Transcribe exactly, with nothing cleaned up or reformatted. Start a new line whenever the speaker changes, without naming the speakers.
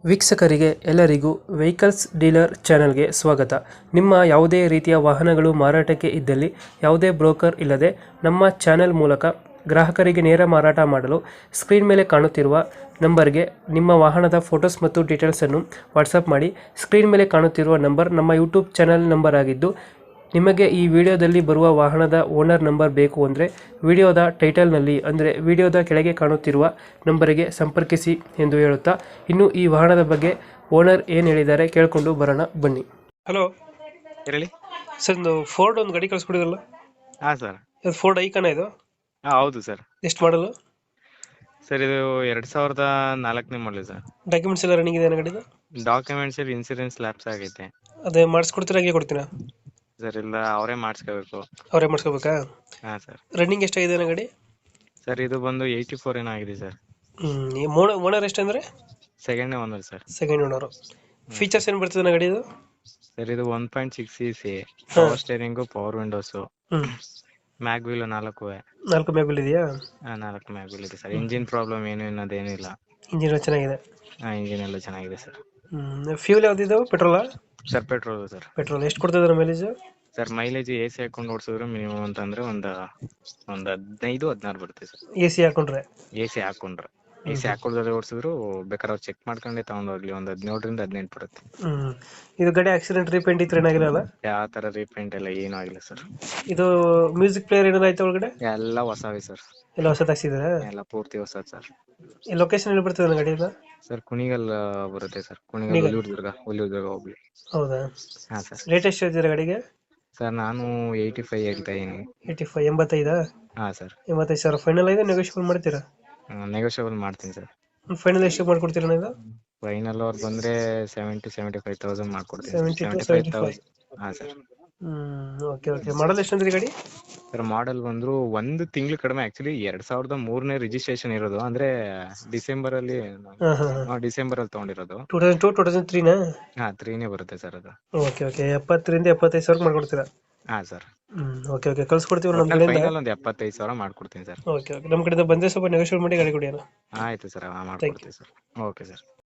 ವೀಕ್ಷಕರಿಗೆ ಎಲ್ಲರಿಗೂ vehicles dealer ಚಾನೆಲ್ಗೆ ಸ್ವಾಗತ. ನಿಮ್ಮ ಯಾವುದೇ ರೀತಿಯ ವಾಹನಗಳು ಮಾರಾಟಕ್ಕೆ ಇದ್ದಲ್ಲಿ ಯಾವುದೇ ಬ್ರೋಕರ್ ಇಲ್ಲದೆ ನಮ್ಮ ಚಾನೆಲ್ ಮೂಲಕ ಗ್ರಾಹಕರಿಗೆ ನೇರ ಮಾರಾಟ ಮಾಡಲು ಸ್ಕ್ರೀನ್ ಮೇಲೆ ಕಾಣುತ್ತಿರುವ ನಂಬರ್ಗೆ ನಿಮ್ಮ ವಾಹನದ ಫೋಟೋಸ್ ಮತ್ತು ಡೀಟೇಲ್ಸನ್ನು ವಾಟ್ಸಪ್ ಮಾಡಿ. ಸ್ಕ್ರೀನ್ ಮೇಲೆ ಕಾಣುತ್ತಿರುವ ನಂಬರ್ ನಮ್ಮ ಯೂಟ್ಯೂಬ್ ಚಾನೆಲ್ ನಂಬರ್ ಆಗಿದ್ದು, ನಿಮಗೆ ಈ ವಿಡಿಯೋದಲ್ಲಿ ಬರುವ ವಾಹನದ ಓನರ್ ನಂಬರ್ ಬೇಕು ಅಂದರೆ ವಿಡಿಯೋದ ಟೈಟಲ್ನಲ್ಲಿ ಅಂದರೆ ವಿಡಿಯೋದ ಕೆಳಗೆ ಕಾಣುತ್ತಿರುವ ನಂಬರಿಗೆ ಸಂಪರ್ಕಿಸಿ ಎಂದು ಹೇಳುತ್ತಾ, ಇನ್ನು ಈ ವಾಹನದ ಬಗ್ಗೆ ಓನರ್ ಏನು ಹೇಳಿದ್ದಾರೆ ಕೇಳಿಕೊಂಡು ಬರೋಣ ಬನ್ನಿ. ಹಲೋ
ಹೇಳಿ
ಸರ್, ಒಂದು ಫೋರ್ಡ್ ಒಂದು ಗಾಡಿ ಕಳಿಸ್ಕೊಡಿದ್ರಲ್ಲ,
ಹಾ ಸರ್.
ಇದು ಫೋರ್ಡ್ ಐಕಾನ ಇದು
ಹಾ ಹೌದು ಸರ್.
ಎಷ್ಟು ಮಾಡಲು?
ಸರ್ ಇದು ಎರಡ್ ಸಾವಿರದ ನಾಲ್ಕನೇ ಮಾಡಲಿ ಸರ್.
ಡಾಕ್ಯುಮೆಂಟ್ಸ್ ಎಲ್ಲ ರನ್ನಿಂಗ್ ಇದೆ ಗಾಡಿದು?
ಡಾಕ್ಯುಮೆಂಟ್ಸ್ ಇನ್ಸೂರೆನ್ಸ್ ಲ್ಯಾಪ್ಸ್ ಆಗೈತೆ
ಅದೇ ಮಾಡಿಸ್ಕೊಡ್ತೀರಾ ಹಾಗೆ ಕೊಡ್ತೀರಾ?
ಸರ್. ಇಲ್ಲ ಅವರೇ ಮಾಡಿಸ್ಕೋಬೇಕು.
ಅವರೇ ಮಾಡಿಸ್ಕೋಬೇಕಾ?
ಹಾ ಸರ್.
ರನ್ನಿಂಗ್ ಎಷ್ಟಾಗಿದೆ ಗಾಡಿ?
ಸರ್ ಇದು ಬಂದು ಏಯ್ಟಿ ಫೋರ್ ಏನೋ ಆಗಿದೆ ಸರ್.
ಹ್ಮ್ ಓನರ್ ಎಷ್ಟು ಅಂದ್ರೆ?
Second owner sir.
Second owner. Features ಏನು ಬರ್ತದೆ ಗಾಡಿ ಇದು?
ಸರ್ ಇದು one point six C C, power steering, power windows,
ಹ್ಮ್
ಮ್ಯಾಗ್ ವೀಲ್ ನಾಲ್ಕು
ನಾಲ್ಕು ಮ್ಯಾಗ್ ಇದೆಯಾ?
ನಾಲ್ಕು ಮ್ಯಾಗ್ ವೀಲ್ ಇದೆ ಸರ್. ಇಂಜಿನ್ ಪ್ರಾಬ್ಲಮ್ ಏನು ಅನ್ನೋದೇನಿಲ್ಲ.
ಇಂಜಿನ್ ಚೆನ್ನಾಗಿದೆ?
ಹಾ ಇಂಜಿನ್ ಎಲ್ಲ ಚೆನ್ನಾಗಿದೆ ಸರ್.
ಹ್ಮ್ ಫ್ಯೂಲ್ ಯಾವ್ದಿದಾವೆ? ಪೆಟ್ರೋಲಾ?
Sir petrol sir.
ಪೆಟ್ರೋಲ್ ಎಷ್ಟು ಕೊಡ್ತಿದ್ದಾರೆ mileage?
Sir mileage A C ಹಾಕೊಂಡು ಓಡಿಸಿದ್ರೆ ಮಿನಿಮಮ್ ಅಂತಂದ್ರೆ ಒಂದ್ ಒಂದ್ ಹದಿನೈದು ಹದಿನಾರು ಬರುತ್ತೆ ಸರ್.
ಎ ಸಿ ಹಾಕೊಂಡ್ರೆ?
ಎ ಸಿ ಹಾಕೊಂಡ್ರೆ ಎ ಸಿ ಹಾಕೊಳ್ದೆ ಓಡಿಸಿದ್ರು ಬೇಕಾದ್ರೆ ಅವ್ರು ಚೆಕ್ ಮಾಡ್ಕೊಂಡೆ ತಗೊಂಡೋಗ್ಲಿ, ಒಂದ್ ಹದಿನೇಳರಿಂದ ಹದಿನೆಂಟು ಬರುತ್ತೆ.
ಹ್ಮ್ ಇದು ಗಾಡಿ ಆಕ್ಸಿಡೆಂಟ್ ರೀಪೇಂಟ್ ಇತ್ತು ಏನಾಗಿರಲ್ಲ?
ಯಾವ ತರ ರೀಪೇಂಟ್ ಎಲ್ಲ ಏನೂ ಆಗಿಲ್ಲ ಸರ್.
ಇದು ಮ್ಯೂಸಿಕ್ ಪ್ಲೇಯರ್ ಏನಾದ್ರು ಆಯ್ತಾ ಒಳಗಡೆ?
ಎಲ್ಲ ಹೊಸವೇ ಸರ್.
ಎಲ್ಲ ಹೊಸದು ಹಾಕ್ಸಿದಾರೆ?
ಎಲ್ಲ ಪೂರ್ತಿ ಹೊಸದ್ ಸರ್.
ಈ ಲೊಕೇಶನ್ ಎಲ್ಲಿ ಬರ್ತದೆ ಗಾಡಿ ಇದು?
ಸರ್ ಕುಣಿಗಲ್ ಬರುತ್ತೆ ಸರ್. ಕುಣಿಗಲ್ ಹುಲಿಯೂರ್ ದುರ್ಗ ಹುಲಿಯೂರ್ ದುರ್ಗ ಹೋಗ್ಲಿ.
ಹೌದಾ?
ಹಾ ಸರ್.
ರೇಟ್ ಎಷ್ಟು ಹೇಳ್ತೀರಾ ಗಾಡಿಗೆ?
ಸರ್ ನಾನು ಏಯ್ಟಿ ಫೈವ್ ಹೇಳ್ತಾ ಇದೀನಿ.
ಏಯ್ಟಿ ಫೈವ್ ಎಂಬತ್ತೈದಾ?
ಹಾ ಸರ್.
ಎಂಬತ್ತೈದು ಸಾವಿರ ಫೈನಲ್ ಆಗಿದೆ, ನೆಗೋಷಿಯಬಲ್ ಮಾಡ್ತೀರಾ?
ನೆಗೋಷಿಯಬಲ್ ಮಾಡ್ತೀನಿ ಸರ್.
ಫೈನಲ್ ಎಷ್ಟು ಮಾಡ್ಕೊಡ್ತೀರಾ ಇದು?
ಫೈನಲ್ ಅವ್ರು ಬಂದ್ರೆ ಸೆವೆಂಟಿ ಸೆವೆಂಟಿ ಫೈವ್ ತೌಸಂಡ್ ಮಾಡ್ಕೊಡ್ತೀನಿ.
Seventy two
seventy five
seventy five.
Thousand ಹಾ ಸರ್.
ಹ್ಮ್ ಓಕೆ ಓಕೆ. ಮಾಡಲ್ ಎಷ್ಟು ಅಂದ್ರೆ ಗಾಡಿ?
ಸರ್ ಮಾಡೆಲ್ ಬಂದ್ರು ಒಂದು ತಿಂಗಳು ಕಡಿಮೆ. ಆಕ್ಚುಲಿ ಎರಡ್ ಸಾವಿರದ ಮೂರನೇ ರಿಜಿಸ್ಟ್ರೇಷನ್ ಇರೋದು, ಅಂದ್ರೆ ಡಿಸೆಂಬರ್ ಅಲ್ಲಿ
ಹಾ ಹಾ
ಡಿಸೆಂಬರ್ ಅಲ್ಲಿ ತಗೊಂಡಿರೋದು.
Two thousand two two thousand ತ್ರೀನಾ?
ಹಾ ತ್ರೀನೇ ಬರುತ್ತೆ ಸರ್ ಅದು.
Okay okay. ಎಪ್ಪತ್ತರಿಂದ ಎಪ್ಪತ್ತೈದು ಸಾವಿರ ಮಾಡ್ಕೊಡ್ತೀರಾ?
ಹಾ ಸರ್.
ಹ್ಮ್ ಓಕೆ ಓಕೆ. ಕಳ್ಸ್ಕೊಡ್ತೀವಿ ನಮ್ಮ ಕಡೆಯಿಂದ.
ಫೈನಲ್ ಒಂದು ಎಪ್ಪತ್ತೈದು ಸಾವಿರ ಮಾಡ್ಕೊಡ್ತೀನಿ ಸರ್.
Okay okay. ನಮ್ಮ ಕಡೆಯಿಂದ ಬಂದರೆ ಸ್ವಲ್ಪ ನೆಗೋಷಿಯೇಟ್ ಮಾಡಿ ಗಾಡಿ ಕೊಡಿ ಅಣ್ಣ.
ಆಯ್ತು ಸರ್, ಮಾಡ್ಕೊಡ್ತೀನಿ ಸರ್. Okay sir.